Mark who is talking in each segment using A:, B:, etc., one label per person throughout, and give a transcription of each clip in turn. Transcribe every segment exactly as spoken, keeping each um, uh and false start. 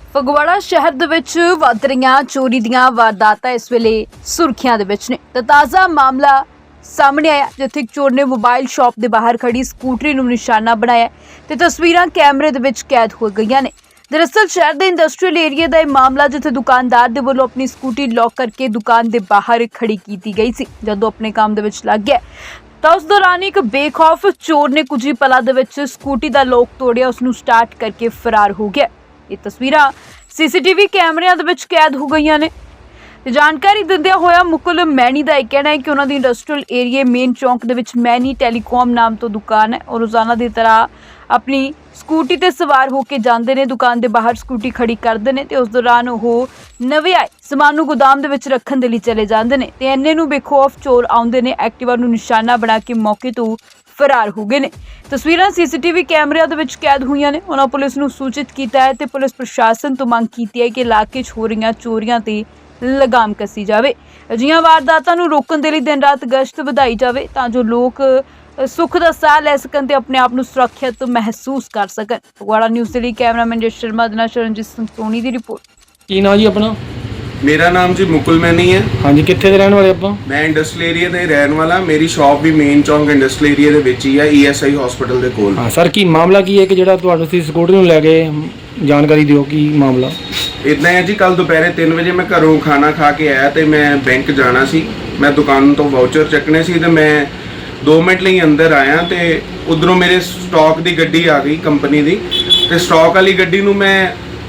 A: ਫਗਵਾੜਾ ਸ਼ਹਿਰ ਦੇ ਵਿੱਚ ਵੱਧ ਰਹੀਆਂ ਚੋਰੀ ਦੀਆਂ ਵਾਰਦਾਤਾਂ ਇਸ ਵੇਲੇ ਸੁਰਖੀਆਂ ਦੇ ਵਿੱਚ ਨੇ। ਤਾਂ ਤਾਜ਼ਾ ਮਾਮਲਾ ਸਾਹਮਣੇ ਆਇਆ ਜਿੱਥੇ ਇੱਕ ਚੋਰ ਨੇ ਮੋਬਾਈਲ ਸ਼ਾਪ ਦੇ ਬਾਹਰ ਖੜੀ ਸਕੂਟਰੀ ਨੂੰ ਨਿਸ਼ਾਨਾ ਬਣਾਇਆ ਤੇ ਤਸਵੀਰਾਂ ਕੈਮਰੇ ਦੇ ਵਿੱਚ ਕੈਦ ਹੋ ਗਈਆਂ ਨੇ। ਦਰਅਸਲ ਸ਼ਹਿਰ ਦੇ ਇੰਡਸਟਰੀਅਲ ਏਰੀਆ ਦਾ ਇਹ ਮਾਮਲਾ ਜਿੱਥੇ ਦੁਕਾਨਦਾਰ ਦੇ ਵੱਲੋਂ ਆਪਣੀ ਸਕੂਟੀ ਲੌਕ ਕਰਕੇ ਦੁਕਾਨ ਦੇ ਬਾਹਰ ਖੜੀ ਕੀਤੀ ਗਈ ਸੀ। ਜਦੋਂ ਆਪਣੇ ਕੰਮ ਦੇ ਵਿੱਚ ਲੱਗ ਗਿਆ ਤਾਂ ਉਸ ਦੌਰਾਨ ਇੱਕ ਬੇਖੌਫ ਚੋਰ ਨੇ ਕੁਝ ਹੀ ਪਲਾਂ ਦੇ ਵਿੱਚ ਸਕੂਟੀ ਦਾ ਲੋਕ ਤੋੜਿਆ, ਉਸ ਨੂੰ ਸਟਾਰਟ ਕਰਕੇ ਫਰਾਰ ਹੋ ਗਿਆ। ਇਹ ਤਸਵੀਰਾਂ ਸੀਸੀਟੀਵੀ ਕੈਮਰਿਆਂ ਦੇ ਵਿੱਚ ਕੈਦ ਹੋ ਗਈਆਂ ਨੇ। ਤੇ ਜਾਣਕਾਰੀ ਦਿੰਦਿਆਂ ਹੋਇਆ ਮੁਕੁਲ ਮੈਣੀ ਦਾ ਇਹ ਕਹਿਣਾ ਹੈ ਕਿ ਉਹਨਾਂ ਦੀ ਇੰਡਸਟਰੀਅਲ ਏਰੀਆ ਮੇਨ ਚੌਂਕ ਦੇ ਵਿੱਚ ਮੈਣੀ ਟੈਲੀਕਾਮ ਨਾਮ ਤੋਂ ਦੁਕਾਨ ਹੈ ਔਰ ਰੋਜ਼ਾਨਾ ਦੀ ਤਰ੍ਹਾਂ ਆਪਣੀ ਸਕੂਟੀ ਤੇ ਸਵਾਰ ਹੋ ਕੇ ਜਾਂਦੇ ਨੇ, ਦੁਕਾਨ ਦੇ ਬਾਹਰ ਸਕੂਟੀ ਖੜੀ ਕਰਦੇ ਨੇ ਤੇ ਉਸ ਦੌਰਾਨ ਉਹ ਨਵੇਂ ਆਏ ਸਮਾਨ ਨੂੰ ਗੋਦਾਮ ਦੇ ਵਿੱਚ ਰੱਖਣ ਦੇ ਲਈ ਚਲੇ ਜਾਂਦੇ ਨੇ ਤੇ ਇੰਨੇ ਨੂੰ ਬੇਖੌਫ ਚੋਰ ਆਉਂਦੇ ਨੇ, ਐਕਟਿਵਾ ਨੂੰ ਨਿਸ਼ਾਨਾ ਬਣਾ ਕੇ ਮੌਕੇ ਤੋਂ ਫਰਾਰ ਹੋ ਗਏ ਨੇ। ਤਸਵੀਰਾਂ ਸੀਸੀਟੀਵੀ ਕੈਮਰਿਆਂ ਦੇ ਵਿੱਚ ਕੈਦ ਹੋਈਆਂ ਨੇ। ਉਹਨਾਂ ਪੁਲਿਸ ਨੂੰ ਸੂਚਿਤ ਕੀਤਾ ਹੈ ਤੇ ਪੁਲਿਸ ਪ੍ਰਸ਼ਾਸਨ ਤੋਂ ਮੰਗ ਕੀਤੀ ਹੈ ਕਿ ਇਲਾਕੇ 'ਚ ਹੋ ਰਹੀਆਂ ਚੋਰੀਆਂ ਤੇ ਲਗਾਮ ਕੱਸੀ ਜਾਵੇ। ਅਜਿਹੀਆਂ ਵਾਰਦਾਤਾਂ ਨੂੰ ਰੋਕਣ ਦੇ ਲਈ ਦਿਨ ਰਾਤ ਗਸ਼ਤ ਵਧਾਈ ਜਾਵੇ ਤਾਂ ਜੋ ਲੋਕ ਸੁੱਖ ਦਾ ਸਾਹ ਲੈ ਸਕਣ ਤੇ ਆਪਣੇ ਆਪ ਨੂੰ ਸੁਰੱਖਿਅਤ ਮਹਿਸੂਸ ਕਰ ਸਕਣ। ਫਗਵਾੜਾ ਨਿਊਜ਼ ਦੇ ਲਈ ਕੈਮਰਾਮੈਨ ਜਸ ਸ਼ਰਮਾ ਦੇ ਨਾਲ ਸ਼ਰਨਜੀਤ ਸਿੰਘ ਸੋਨੀ ਦੀ ਰਿਪੋਰਟ।
B: ਕੀ ਨਾਮ ਜੀ ਆਪਣਾ?
C: मेरा नाम जी मुकुल मैनी है।
B: हाँ जी, कितने रहने वाले आप?
C: मैं इंडस्ट्रियल एरिया ਦੇ ਰਹਿਣ ਵਾਲਾ। ਮੇਰੀ ਸ਼ਾਪ ਵੀ ਮੇਨ ਚੌਂਕ ਇੰਡਸਟਰੀਅਲ ਏਰੀਆ ਦੇ ਵਿੱਚ ਹੀ ਹੈ, ਈ ਐਸ ਆਈ ਹਸਪੀਟਲ ਦੇ ਕੋਲ।
B: ਹਾਂ ਸਰ, ਕੀ ਮਾਮਲਾ ਕੀ ਹੈ ਕਿ ਜਿਹੜਾ ਤੁਹਾਨੂੰ ਤੁਸੀਂ ਸਕੂਟਰ ਨੂੰ ਲੈ ਕੇ ਜਾਣਕਾਰੀ ਦਿਓ ਕੀ ਮਾਮਲਾ?
C: ਇਦਾਂ ਹੈ ਜੀ, ਕੱਲ ਦੁਪਹਿਰੇ ਤਿੰਨ ਵਜੇ ਮੈਂ ਘਰੋਂ ਖਾਣਾ ਖਾ ਕੇ ਆਇਆ ਤੇ ਮੈਂ ਬੈਂਕ ਜਾਣਾ ਸੀ। ਮੈਂ ਦੁਕਾਨ ਤੋਂ ਵਾਊਚਰ ਚੱਕਣੇ ਸੀ ਤੇ ਮੈਂ ਦੋ ਮਿੰਟ ਲਈ ਅੰਦਰ ਆਇਆ ਤੇ ਉਧਰੋਂ ਮੇਰੇ ਸਟਾਕ ਦੀ ਗੱਡੀ ਆ ਗਈ ਕੰਪਨੀ ਦੀ ਤੇ ਸਟਾਕ ਵਾਲੀ ਗੱਡੀ ਨੂੰ ਮੈਂ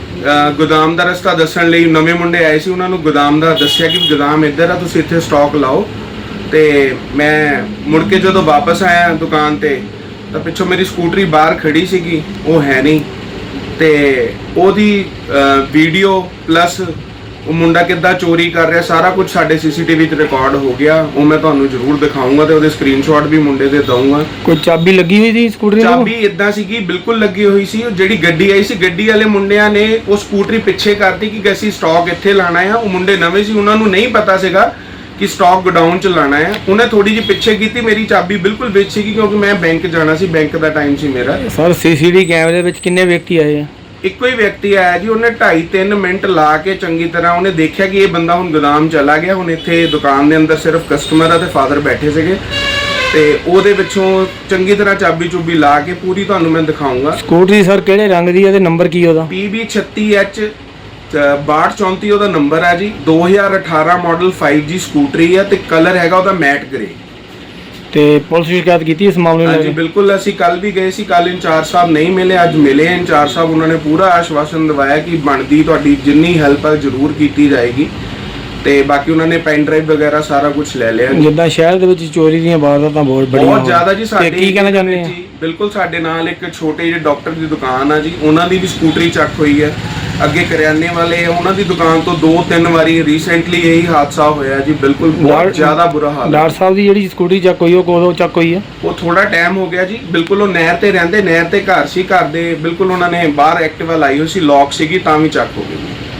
C: ਗੋਦਾਮ ਦਾ ਰਸਤਾ ਦੱਸਣ ਲਈ, ਨਵੇਂ ਮੁੰਡੇ ਆਏ ਸੀ ਉਹਨਾਂ ਨੂੰ ਗੋਦਾਮ ਦਾ ਦੱਸਿਆ ਕਿ ਗੋਦਾਮ ਇੱਧਰ ਆ, ਤੁਸੀਂ ਇੱਥੇ ਸਟਾਕ ਲਾਓ। ਤੇ ਮੈਂ ਮੁੜ ਕੇ ਜਦੋਂ ਵਾਪਸ ਆਇਆ ਦੁਕਾਨ ਤੇ ਤਾਂ ਪਿੱਛੋਂ ਮੇਰੀ ਸਕੂਟਰੀ ਬਾਹਰ ਖੜੀ ਸੀਗੀ, ਉਹ ਹੈ ਨਹੀਂ ਤੇ ਉਹਦੀ ਵੀਡੀਓ ਪਲੱਸ ਉਹ ਮੁੰਡਾ ਕਿੱਦਾਂ ਚੋਰੀ ਕਰ ਰਿਹਾ ਸਾਰਾ ਕੁਝ ਸਾਡੇ ਸੀਸੀਟੀਵੀ 'ਚ ਰਿਕਾਰਡ ਹੋ ਗਿਆ। ਉਹ ਮੈਂ ਤੁਹਾਨੂੰ ਜ਼ਰੂਰ ਦਿਖਾਊਂਗਾ ਤੇ ਉਹਦੇ ਸਕਰੀਨਸ਼ਾਟ ਵੀ ਮੁੰਡੇ ਦੇ ਦਊਂਗਾ।
B: ਕੋਈ ਚਾਬੀ ਲੱਗੀ ਹੋਈ ਸੀ ਸਕੂਟਰੀ ਨੂੰ?
C: ਚਾਬੀ ਇਦਾਂ ਸੀਗੀ, ਬਿਲਕੁਲ ਲੱਗੀ ਹੋਈ ਸੀ। ਉਹ ਜਿਹੜੀ ਗੱਡੀ ਆਈ ਸੀ, ਗੱਡੀ ਵਾਲੇ ਮੁੰਡਿਆਂ ਨੇ ਉਹ ਸਕੂਟਰੀ ਪਿੱਛੇ ਕਰਤੀ ਕਿ ਅਸੀਂ ਸਟਾਕ ਇੱਥੇ ਲਾਣਾ ਆ। ਉਹ ਮੁੰਡੇ ਨਵੇਂ ਸੀ, ਉਹਨਾਂ ਨੂੰ ਨਹੀਂ ਪਤਾ ਸੀਗਾ ਕਿ ਸਟਾਕ ਗੋਡਾਊਨ 'ਚ ਲਾਣਾ ਹੈ। ਉਹਨੇ ਥੋੜੀ ਜਿਹੀ ਪਿੱਛੇ ਕੀਤੀ, ਮੇਰੀ ਚਾਬੀ ਬਿਲਕੁਲ ਵਿੱਚ ਸੀਗੀ ਕਿਉਂਕਿ ਮੈਂ ਬੈਂਕ ਜਾਣਾ ਸੀ, ਬੈਂਕ ਦਾ ਟਾਈਮ ਸੀ ਮੇਰਾ।
B: ਸਰ ਸੀਸੀਟੀਵੀ ਕੈਮਰੇ ਵਿੱਚ ਕਿੰਨੇ ਵਿਅਕਤੀ ਆਏ ਆ?
C: ਇੱਕੋ ਹੀ ਵਿਅਕਤੀ ਆਇਆ ਜੀ। ਉਹਨੇ ਢਾਈ ਤਿੰਨ ਮਿੰਟ ਲਾ ਕੇ ਚੰਗੀ ਤਰ੍ਹਾਂ ਉਹਨੇ ਦੇਖਿਆ ਕਿ ਇਹ ਬੰਦਾ ਹੁਣ ਗੋਦਾਮ ਚਲਾ ਗਿਆ। ਹੁਣ ਇੱਥੇ ਦੁਕਾਨ ਦੇ ਅੰਦਰ ਸਿਰਫ ਕਸਟਮਰ ਆ ਤੇ ਫਾਦਰ ਬੈਠੇ ਸੀਗੇ ਤੇ ਉਹਦੇ ਵਿੱਚੋਂ ਚੰਗੀ ਤਰ੍ਹਾਂ ਚਾਬੀ ਚੁਬੀ ਲਾ ਕੇ ਪੂਰੀ ਤੁਹਾਨੂੰ ਮੈਂ ਦਿਖਾਊਂਗਾ।
B: ਸਕੂਟਰੀ ਸਰ ਕਿਹੜੇ ਰੰਗ ਦੀ ਹੈ ਤੇ ਨੰਬਰ ਕੀ ਉਹਦਾ? ਪੀ
C: ਬੀ ਛੱਤੀ ਐਚ ਬਾਹਠ ਚੌਂਤੀ ਉਹਦਾ ਨੰਬਰ ਹੈ ਜੀ। ਦੋ ਹਜ਼ਾਰ ਅਠਾਰਾਂ ਮਾਡਲ ਫਾਈਵ ਜੀ ਸਕੂਟਰੀ ਹੈ ਤੇ ਕਲਰ ਹੈਗਾ ਉਹਦਾ ਮੈਟ ਗ੍ਰੇ।
B: ਤੇ ਪੁਲਿਸ ਸ਼ਿਕਾਇਤ ਕੀਤੀ ਇਸ ਮਾਮਲੇ ਨੂੰ?
C: ਹਾਂਜੀ ਬਿਲਕੁਲ, ਅਸੀਂ ਕੱਲ ਵੀ ਗਏ ਸੀ। ਕੱਲ ਇੰਚਾਰਜ ਸਾਹਿਬ ਨਹੀਂ ਮਿਲੇ, ਅੱਜ ਮਿਲੇ ਇੰਚਾਰਜ ਸਾਹਿਬ। ਉਹਨਾਂ ਨੇ ਪੂਰਾ ਆਸ਼ਵਾਸਨ ਦਿਵਾਇਆ ਕਿ ਬਣਦੀ ਤੁਹਾਡੀ ਜਿੰਨੀ ਹੈਲਪ ਹੈ ਜ਼ਰੂਰ ਕੀਤੀ ਜਾਏਗੀ ਤੇ ਬਾਕੀ ਉਹਨਾਂ ਨੇ ਪੈਨ ਡਰਾਈਵ ਵਗੈਰਾ ਸਾਰਾ ਕੁਝ ਲੈ ਲਿਆ।
B: ਜਿੱਦਾਂ ਸ਼ਹਿਰ ਦੇ ਵਿੱਚ ਚੋਰੀ ਦੀਆਂ ਵਾਰਦਾਤਾਂ ਬਹੁਤ ਬੜੀਆਂ
C: ਬਹੁਤ ਜ਼ਿਆਦਾ ਜੀ। ਸਾਡੇ
B: ਕੀ ਕਹਿਣਾ ਚਾਹੁੰਦੇ ਆ?
C: ਬਿਲਕੁਲ, ਸਾਡੇ ਨਾਲ ਇੱਕ ਛੋਟੇ ਜਿਹੇ ਡਾਕਟਰ ਦੀ ਦੁਕਾਨ ਆ ਜੀ, ਉਹਨਾਂ ਦੀ ਵੀ ਸਕੂਟਰੀ ਚੱਕ ਹੋਈ ਹੈ। ਅੱਗੇ ਕਰਿਆਨੇ ਵਾਲੇ ਉਹਨਾਂ ਦੀ ਦੁਕਾਨ ਤੋਂ ਦੋ ਤਿੰਨ ਵਾਰੀ ਰੀਸੈਂਟਲੀ ਇਹੀ ਹਾਦਸਾ ਹੋਇਆ ਜੀ। ਬਿਲਕੁਲ ਬਹੁਤ ਜ਼ਿਆਦਾ ਬੁਰਾ ਹਾਲ।
B: ਡਾਕਟਰ ਸਾਹਿਬ ਦੀ ਜਿਹੜੀ ਸਕੂਟਰੀ ਚੱਕ ਹੋਈ ਉਹ ਕਦੋਂ ਚੱਕ ਹੋਈ ਹੈ?
C: ਉਹ ਥੋੜਾ ਟਾਈਮ ਹੋ ਗਿਆ ਜੀ। ਬਿਲਕੁਲ ਉਹ ਨਹਿਰ ਤੇ ਰਹਿੰਦੇ, ਨਹਿਰ ਤੇ ਘਰ ਸੀ, ਘਰ ਦੇ ਬਿਲਕੁਲ ਉਹਨਾਂ ਨੇ ਬਾਹਰ ਐਕਟਿਵਾ ਲਾਈ ਹੋਈ ਸੀ, ਲੌਕ ਸੀਗੀ ਤਾਂ ਵੀ ਚੱਕ ਹੋ ਗਈ।